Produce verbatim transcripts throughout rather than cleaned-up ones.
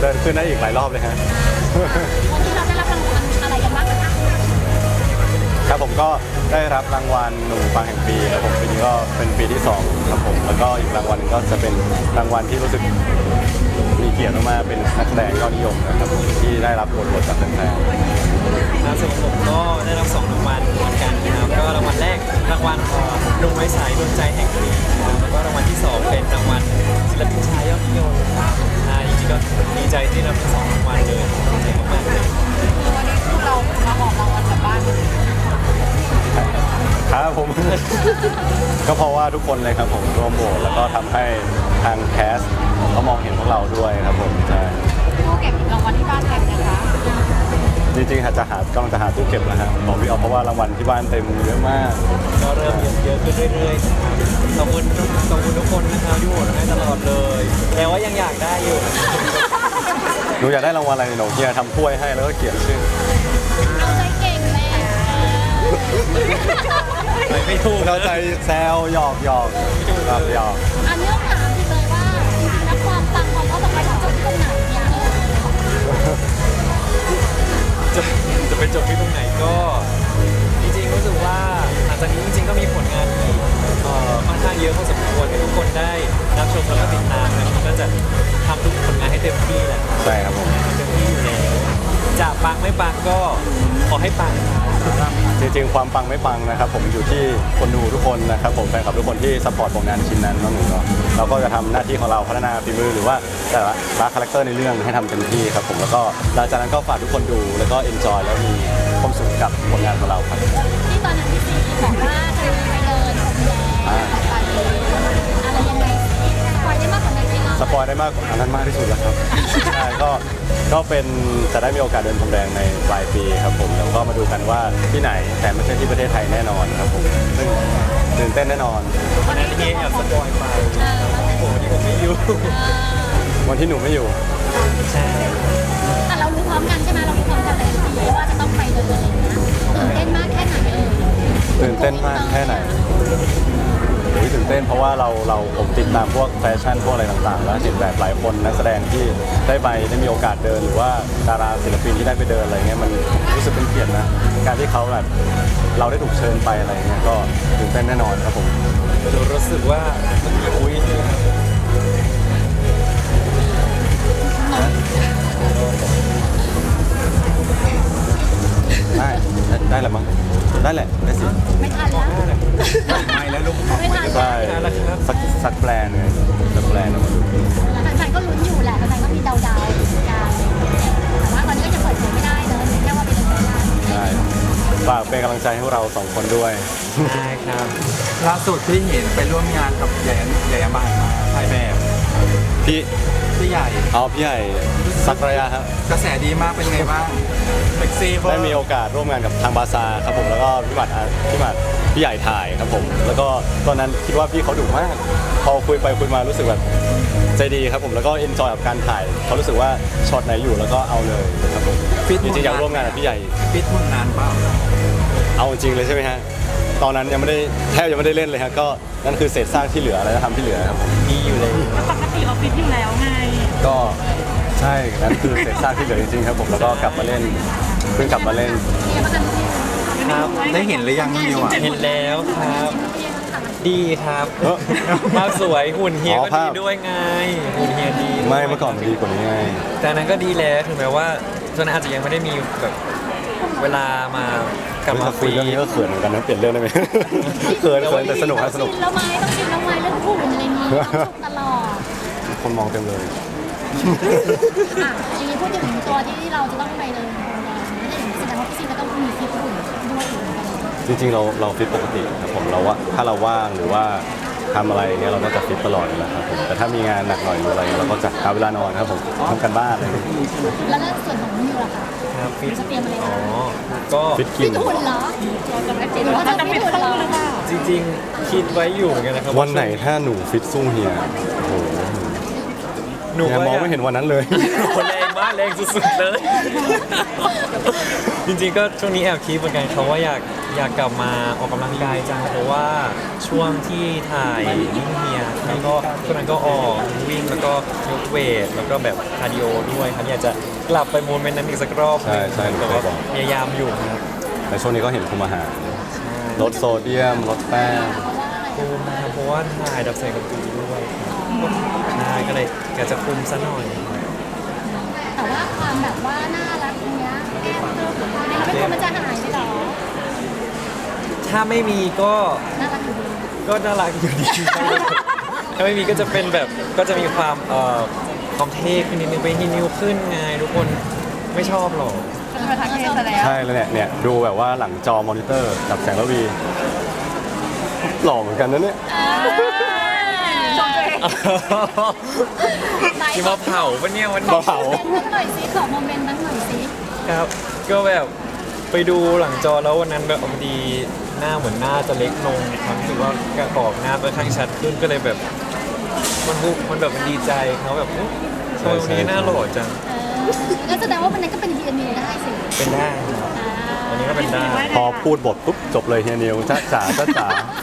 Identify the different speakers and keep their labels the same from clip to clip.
Speaker 1: ชิญขึ้นได้อีกหลายรอบเลยฮะ
Speaker 2: วันที่เราได้รับรางวัลอะไรกันบ้างคะ
Speaker 1: ครับผมก็ได้รับรางวัลหนุ่มฟังแห่งปีครับผมปีนี้ก็เป็นปีที่สองครับผมแล้วก็อีกรางวัลก็จะเป็นรางวัลที่รู้สึกมีเกียรติมากๆเป็นนักแสดงยอดนิยมนะครับผมที่ได้รับบทบทจากแฟนๆ
Speaker 3: ครับส่วนผมก็ได้รับสองรางวัลเหมือนกันนะครับก็รางวัลแรกรางวัลหนุ่มไม้สายดวงใจแห่งปีนะครับแล้วก็รางวัลที่สองเป็นรางวัลศิลปินชายยอดนิยมครับอ่าจริงๆก็ดีใจที่รับทั้งสองรางวัลเลยดีใจมากๆเลย
Speaker 2: วันนี้คือเรามาออกรางวัลจากบ้าน
Speaker 1: ครับผม ก็เพราะว่าทุกคนเลยครับผมร่วมโหวตแล้วก็ทำให้ทางแคสเขามองเห็นพวกเราด้วยครับผมใช่
Speaker 2: ตู้เก็บรางวัลที่บ้านเต็มนะคะ
Speaker 1: จริงๆจะหากำลังจะหาตู้เก็บนะฮะบอกพี่ออฟเพราะว่ารางวัลที่บ้านเต็มเยอะมาก
Speaker 3: ก็เริ่มเยอะขึ้นเรื่อยๆขอบคุณขอบคุณทุกคนนะครับที่โหวตให้ตลอดเลยแต่ว่ายังอยากได้อยู่
Speaker 1: หนูอยากได้รางวัลอะไรหนูเฮียทำถ้วยให้แล้วก็เขียนชื่อ
Speaker 2: เอาใจเก่งแม่
Speaker 3: ไม่ถูก
Speaker 1: เราใจแซวหยอกหยอกครับหยอก
Speaker 2: อันนี้ต้องถามจริงเลยว่าจริงๆแล้วความปังของเขาจะไปจบที่ตรงไหนเนี่ย
Speaker 3: จะจะไปจบที่ตรงไหนก็จริงๆรู้สึกว่าหลังจากนี้จริงๆก็มีผลงานอีกเอ่อค่อนข้างเยอะพอสมควรให้ทุกคนได้รับชมแล้วก็ติดตามนะครับก็จะทำทุกผลงานให้เต็มที่แหละ
Speaker 1: ใช่ครับผม
Speaker 3: เต็มที่อยู่แล้วจะปังไม่ปังก็ขอให้ปัง
Speaker 1: จริงๆความปังไม่ปังนะครับผมอยู่ที่คนดูทุกคนนะครับผมแฟนคลับทุกคนที่ซัพพอร์ตผลงานชิ้นนั้นน้องหนูเนาะเราก็จะทำหน้าที่ของเราพัฒนาฝีมือหรือว่าแต่ละรักคาแรคเตอร์ในเรื่องให้ทำเต็มที่ครับผมแล้วก็หลังจากนั้นก็ฝากทุกคนดูแล้วก็เอนจอยแล้วมีความสุขกับผลงานของเราครับ
Speaker 2: ที่ตอนนั้นพี่ซีบอกว่าจะไปเดินพรมแดงไปอะไรยังไงสปอยได้มากกว่านั้นไหมคะ
Speaker 1: สปอยได้มากกว่านั้นมากที่สุดแล้วครับใช่ก็ก็เป็นจะได้มีโอกาสเดินพรมแดงในปลายปีครับผมแล้วก็มาดูกันว่าที่ไหนแต่ไม่ใช่ที่ประเทศไทยแน่นอนครับผมซึ่งตื่นเต้นแน่นอน
Speaker 3: วันนี้พี่แอบสปอยไปโอ้โหนี่ผมไม่อยู่
Speaker 1: วันที่หนูไม่อยู่
Speaker 3: ใช่
Speaker 2: แต่เรารู้พร้อมกันใช่ไหมเรารู้พร้อมกันเลยว่าจะต้องไปเดินอะไรอย่างเงี้ยตื่นเต้นมากแค่ไหนเอ่ย
Speaker 1: ตื่นเต้นมากแค่ไหนโอ้ยตื่นเต้นเพราะว่าเราเราผมติดตามพวกแฟชั่นพวกอะไรต่างๆแล้วเห็นแบบหลายคนนักแสดงที่ได้ไปได้มีโอกาสเดินหรือว่าดาราศิลปินที่ได้ไปเดินอะไรเงี้ยมันรู้สึกเป็นเกียรตินะการที่เขาแบบเราได้ถูกเชิญไปอะไรเงี้ยก็ตื่นเต้นแน่นอนครับผม
Speaker 3: รู้สึกว่ามันมีอุ้ย
Speaker 1: ได้ได้แหละมั้งได้แหละได้สิ
Speaker 2: ไม่ทันแล้ว
Speaker 1: ไม่แล้วลูก
Speaker 2: ไม่ทัน
Speaker 1: ใช่สักสักแปลนเลยสักแปลนออกมาดู
Speaker 2: แฟนๆก็ลุ้นอยู่แหละแฟนๆก็มีเดาๆกันแต่ว่าตอนนี้ก็จะเปิดเผยไม่ได้เลยแค่ว่าเป็นเรื่อง
Speaker 1: ใช่ฝากเป็นกำลังใจให้เราสองคนด้วย
Speaker 3: ใช่ครับ
Speaker 4: ล่าสุดที่เห็นไปร่วมงานกับใหญ่ใหญ่บ้านมาถ่ายแบบ
Speaker 1: พี่
Speaker 4: พี่ใหญ่
Speaker 1: เอาพี่ใหญ่สักระยะครับ
Speaker 4: กระแสดีมากเป็นไงบ้างเซ็กซี่
Speaker 1: ได้มีโอกาสร่วมงานกับทางบาซาครับผมแล้วก็พี่หมัดพี่หมัดพี่ใหญ่ถ่ายครับผมแล้วก็ตอนนั้นคิดว่าพี่เขาดุมากพอคุยไปคุยมารู้สึกแบบใจดีครับผมแล้วก็เอนจอยกับการถ่ายเขารู้สึกว่าช็อตไหนอยู่แล้วก็เอาเลยครับผมจริงๆอยากร่วมงานกับพี่ใหญ่
Speaker 4: ฟิตหุ่นนานเปล่า
Speaker 1: เอาจริงเลยใช่ไหมฮะตอนนั้นยังไม่ได้แทบยังไม่ได้เล่นเลยฮะก็นั่นคือเศษซากที่เหลืออะไรทำที่เหลือครับ
Speaker 3: มีอยู่เลย
Speaker 2: ปกติเราฟิตอยู่แล้วไง
Speaker 1: ก็ใช่นั่นคือเศษซากที่เหลือจริงๆครับผมแล้วก็กลับมาเล่นเพิ่งกลับมาเล่น
Speaker 3: ครับ
Speaker 4: ได้เห็นหรือยังนิวอ่ะ
Speaker 3: เห็นแล้วครับดีครับภาพสวยหุ่นเฮียก็ดีด้วยไงหุ่นเฮียดี
Speaker 1: ไม่เมื่อก่อนดีกว่านี้ไง
Speaker 3: แต่นั้นก็ดีแล้วถึงแม้ว่าตอนนั้นอาจจะยังไม่ได้มีแบบเวลามากับมา
Speaker 1: คุยเรื่องนี้ก็เขินเหมือนกันนะเปลี่ยนเรื่องได้ไหมเขินเขินแต่สนุกครับสนุก
Speaker 2: แล้วไหมต้องชิมแล้วไหมเรื่องหุ่นอะไรนี้ตลอด
Speaker 1: คนมองเต็มเลย
Speaker 2: อ่ะทีนี้พูดถึงตัวที่เราจะต้องไปเลยไม่ได้แสดงว่าพี่ซีก็ต้องมีฟิตหุ่นด้วย
Speaker 1: จริงๆเราเราฟิตปกติครับผมเราว่าถ้าเราว่างหรือว่าทำอะไรเงี้ยเราก็จะฟิตตลอดอยู่แล้วครับผมแต่ถ้ามีงานหนักหน่อยหรืออะไรเราก็จะหาเวลานอนครับผมทำกันบ้านอะไร
Speaker 2: แล้วเรื่องส่วนของนิวล่ะคะ
Speaker 3: ครับฟิต
Speaker 2: จะเตรียมอะไร
Speaker 3: อ๋อก็
Speaker 1: ฟิตกิน
Speaker 2: หุ่นเหรอหรือว่าจะฟิตหุ่นเหรอ
Speaker 3: จริงๆคิดไว้อยู่เหมือนกันนะครับ
Speaker 1: วันไหนถ้าหนูฟิตสู้เฮียโอ้โห
Speaker 3: หหนู
Speaker 1: เนี่ย
Speaker 3: ก็
Speaker 1: มอง
Speaker 3: ยาก
Speaker 1: ไม่เห็นวันนั้นเลย
Speaker 3: โอ้แรงมากแรงสุดๆเลย จริงๆก็ช่วงนี้แอบคิดเหมือนกันเขาว่าอยากอยากกลับมาออกกำลังกายจังเพราะว่าช่วงที่ถ่ายนิ่งเฮียแล้วก็ช่วงนั้นก็ออกวิ่งแล้วก็ยกเวทแล้วก็แบบคาร์ดิโอด้วยครับอยากจะกลับไปโมเมนต์นั้นอีกสักรอบ
Speaker 1: ใช่ใช่
Speaker 3: แต่ว่า
Speaker 1: เคยบอก
Speaker 3: พยายามอยู่ครับ
Speaker 1: แต่ช่วงนี้ก็เห็นคุมอาหารลดโซเดียมลดแป้ง
Speaker 3: คุมนะครับเพราะว่าถ่ายดับแสงกับตูด้วยครับใช่ก็เลยอยากจะคุมซะหน่อย
Speaker 2: แต่ว่าความแบบว่าน่ารักตรงเนี้ยไม่รู้มันจะหายไปหรอ
Speaker 3: ถ้าไม่มีก็
Speaker 2: น่ารักอยู่ดี
Speaker 3: ก็น่ารักอยู่ดี ถ้าไม่มีก็จะเป็นแบบก็จะมีความเอ่อความเท่ขึ้นนิดนึงเป็นฮินิวขึ้นไงทุกคนไม่ชอบหรอก
Speaker 2: เป็นประธานเทศแล้ว
Speaker 1: ใช่แล้วเนี่ยเนี่ยดูแบบว่าหลังจอมอนิเตอร์กับแสงระวีหล่อเหมือนกันนะเนี่ย
Speaker 2: ชมตัวเอง
Speaker 3: ที่มาเผาปะเนี่ยวันนี้
Speaker 1: มาเผา
Speaker 2: นั้นหน่อยสิขอโมเมนต์นั้นหน่อยสิ
Speaker 3: ครับ ก็แบบไปดูหลังจอแล้ววันนั้นแบบพอดีหน้าเหมือนหน้าจะเล็กลงความรู้สึกว่ากระกอบหน้าไปข้างชัดขึ้นก็เลยแบบมันบุมันแบบมันดีใจเขาแบบอุ๊ยทำไมวันนี้หน้าหล่อจัง
Speaker 2: เออก็แสดงว่าวันนั้นก็เป็นฮีนิวได้สิ
Speaker 3: เป็นได้ครับวันนี้ก็เป็นได้
Speaker 1: พอพูดบทปุ๊บจบเลยเฮียนิวจ้าจ๋าจ้าจ๋าก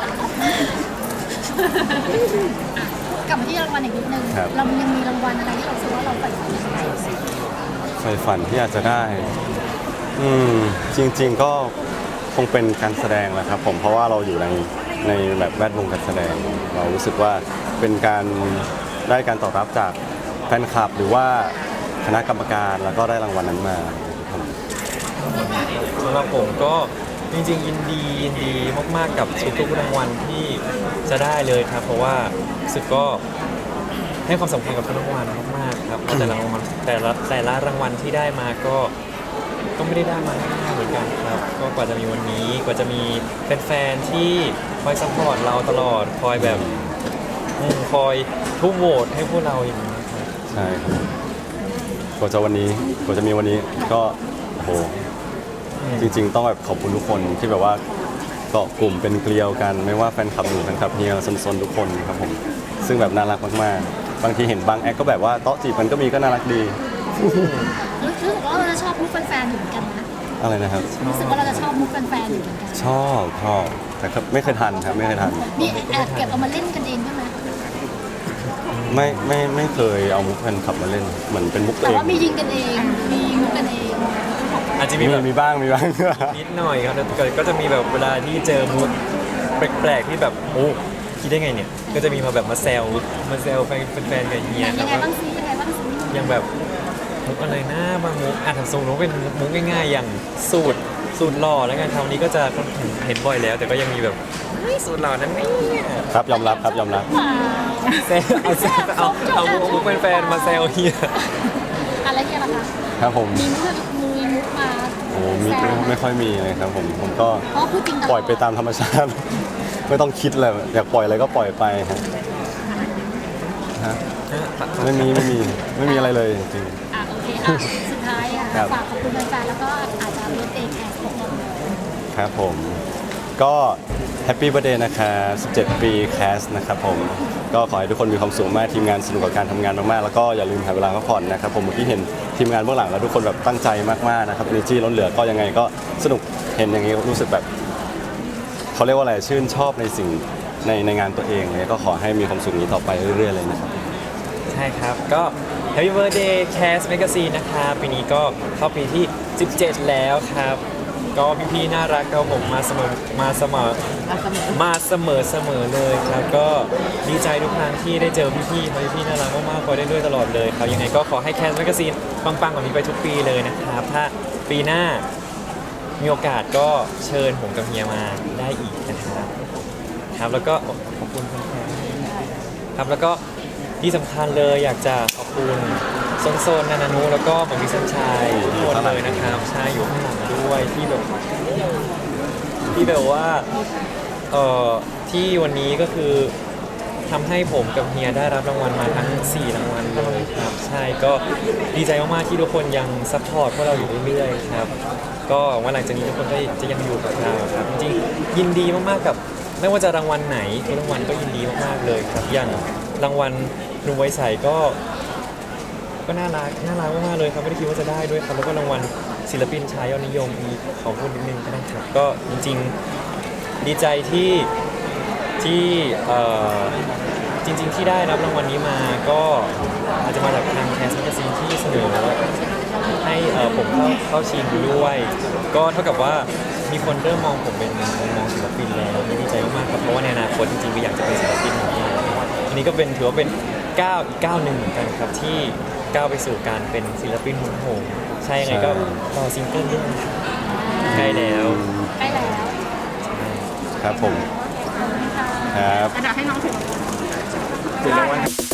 Speaker 2: ลับมาที่รางวัลอีกนิดนึง
Speaker 1: ครับ
Speaker 2: เรายังมีรางวัลอะไรที่เราคิดว่าเราใฝ่ฝันอยากได้สิ
Speaker 1: ใฝ่ฝันที่อยากจะได้ อืมจริง ๆก็คงเป็นการแสดงแหละครับผมเพราะว่าเราอยู่ในในแบบแวดวงการแสดง เรารู้สึกว่าเป็นการได้การตอบรับจากแฟนคลับ หรือว่าคณะกรรมการแล้วก็ได้รางวัลนั้นมาครับผม
Speaker 3: สำหรับผมก็จริงๆยินดียินดีมากๆกับทุกๆรางวัลที่จะได้เลยครับ เพราะว่ารู้สึกก็ให้ความสำคัญกับทุกรางวัลมากๆครับแต่ละรางวัลแต่ละแต่ละรางวัลที่ได้มาก็ก็ไม่ได้ได้มาง่ายๆเหมือนกันครับ ก็กว่าจะมีวันนี้กว่าจะมีแฟนๆที่คอยซัพพอร์ตเราตลอดคอยแบบอืมคอยทุ่มโหวตให้พวกเราอย่างนี้ครับ
Speaker 1: ใช่ครับกว่าจะวันนี้กว่าจะมีวันนี้ก็โอ้โหจริง ๆ ต้องแบบขอบคุณทุกคนที่แบบว่าเกาะกลุ่มเป็นเกลียวกัน ไม่ว่าแฟนคลับหนูแฟนคลับเฮียซนๆทุกคนครับผมซึ่งแบบน่ารักมากๆบางทีเห็นบางแอคก็แบบว่าโต๊ะจีบมันก็มีก็น่ารักดี
Speaker 2: รู้สึกว่าเราจะชอบมุกแฟนๆอยู่เหมือนกันนะ
Speaker 1: อะไรนะครับ
Speaker 2: รู้สึกว่าเราจะชอบมุกแฟนๆอยู่เหมือนกัน
Speaker 1: ชอบชอบแต่ก็ไม่เคยทันครับไม่เคยทัน
Speaker 2: นี่แอบเก็บเอามาเล่นกันเองใช่ไหม
Speaker 1: ไม่ไม่ไม่เคยเอามุกแฟนคลับมาเล่นเหมือนเป็นมุกตัว
Speaker 2: แต่
Speaker 1: เอง
Speaker 2: ว่ามียิงกันเอง มีมุกกันเอง
Speaker 3: อาจจะ
Speaker 1: มี
Speaker 3: มีแบบ
Speaker 1: มีบ้างมีบ้าง
Speaker 3: นิดหน่อยครับแต่ก็จะมีแบบเวลาที่เจอมูดแปลกๆที่แบบโอ้คิดได้ไงเนี่ย ก็จะมีมาแบบมาแซวมาแซวแฟนแฟนๆกับเฮีย
Speaker 2: ยัง
Speaker 3: ครั
Speaker 2: ไง
Speaker 3: บ
Speaker 2: บ้างซิยังไงบ้างซิ
Speaker 3: ยังแบบมุกอะไรนะบางมุกอ่ะทำทรงนู้นเป็นมุกง่ายๆ อย่างสูตรสูตรหล่อแล้วกันคราวนี้ก็จะเห็นบ่อยแล้ว แต่ก็ยังมีแบบเฮ้ยสูตรหล่อนั้นเนี่ย
Speaker 1: ครับยอมรับครับยอมรับ
Speaker 2: ว้าว
Speaker 3: แซวเอาแซวเอาเอามุกมุกแฟนๆมาแซวเฮีย
Speaker 2: อะไรเงี้ยล่ะคะ
Speaker 1: ครับผม
Speaker 2: มีมุกมีมุกมา
Speaker 1: โอ้มี
Speaker 2: แซว
Speaker 1: ไม่ค่อยมีเลยครับผมผมก็
Speaker 2: เพราะพูดจริงตลอด
Speaker 1: ปล่อยไปตามธรรมชาติ ไม่ต้องคิดเลยอยากปล่อยอะไรก็ปล่อยไปครับฮะไม่มีไม่มีไม่มีอะไรเลยจริง
Speaker 2: อ่ะโอเคอ่ะสุดท้ายอ่ะ
Speaker 1: ครับ
Speaker 2: ฝากขอบคุณแฟนๆแล้วก็อาจจะเลือกเองแคสของเราเลย
Speaker 1: ครับผมก็แฮปปี้ i r t h d a y นะครับสิบเจ็ด ปีแคสนะครับผมก็ขอให้ทุกคนมีความสุขมากทีมงานสนุกกับการทำงานมากๆแล้วก็อย่าลืมหาเวลาพักผ่อนนะครับผมเมื่อกี้เห็นทีมงานเบื้องหลังแล้วทุกคนแบบตั้งใจมากๆนะครับ energy ล้นเหลือก็ยังไงก็สนุกเห็นอย่างนี้รู้สึกแบบเขาเรียกว่าอะไรชื่นชอบในสิ่งในในงานตัวเองเลยก็ขอให้มีความสุขนี้ต่อไปเรื่อยๆเลยนะครับ
Speaker 3: ใช่ครับ ก็ Happy Birthday Cast Magazine นะครับปีนี้ก็เข้าปีที่ สิบเจ็ด แล้วครับ ก็พี่ๆน่ารักครับผมมาเสมอมาเสมอมาเสมอเสมอเลยครับ ก็ดีใจทุกครั้งที่ได้เจอพี่ๆเพราะพี่ๆน่ารักมากๆคอยได้ด้วยตลอดเลยครับยังไงก็ขอให้ Cast Magazine ปังๆแบบนี้ไปทุกปีเลยนะครับ ถ้าปีหน้ามีโอกาสก็เชิญผมกับเฮียมาได้อีกนะครับครับแล้วก็ขอบคุณแฟนๆครับแล้วก็ที่สำคัญเลยอยากจะขอบคุณโซนโซนนานานุแล้วก็หมอมีสัญชัยทุกคนเลยนะครับใช่อยู่ข้างหลังด้วยที่แบบที่แบบว่าเอ่อที่วันนี้ก็คือทำให้ผมกับเฮียได้รับรางวัลมาทั้งสี่รางวัลเลยครับใช่ก็ดีใจมากๆที่ทุกคนยังซัพพอร์ตพวกเราอยู่เรื่อยๆครับก็หวังว่าหลังจากนี้ทุกคนก็จะยังอยู่กับเราครับจริงๆยินดีมากๆกับไม่ว่าจะรางวัลไหนทุกรางวัลก็ยินดีมากๆเลยครับอย่างรางวัลหนุ่มไวยใสก็ก็น่ารักน่ารักมากๆเลยครับไม่ได้คิดว่าจะได้ด้วยครับแล้วก็รางวัลศิลปินชายยอดนิยมอีกขอพูดนิดนึงก็ได้ครับก็จริงๆดีใจที่ที่เอ่อจริง ๆ ที่ได้รับรางวัลนี้มาก็อาจจะมาจากทางแคสต์แมกกาซีนที่เสนอให้เอ่อผมเข้าเข้าชิงด้วย ก็เท่ากับว่ามีคนเริ่มมองผมเป็นมุมมองศิลปินแล้วดีใจมากๆครับเพราะว่าในอนาคตจริงๆก็อยากจะเป็นศิลปินเหมือนกันอันนี้ก็เป็นถือว่าเป็นก้าวอีกก้าวหนึ่งเหมือนกันครับที่ก้าวไปสู่การเป็นศิลปินหุ่นโหงใช่ยังไงก็รอซิงเกิลด้วยนะครับใกล้แล้ว
Speaker 2: ใกล้แล้ว
Speaker 1: ครับผม
Speaker 2: ขอบคุณค่ะ
Speaker 1: ครับ
Speaker 2: กระดาษให้น้องถือ
Speaker 4: ถึงรางวัล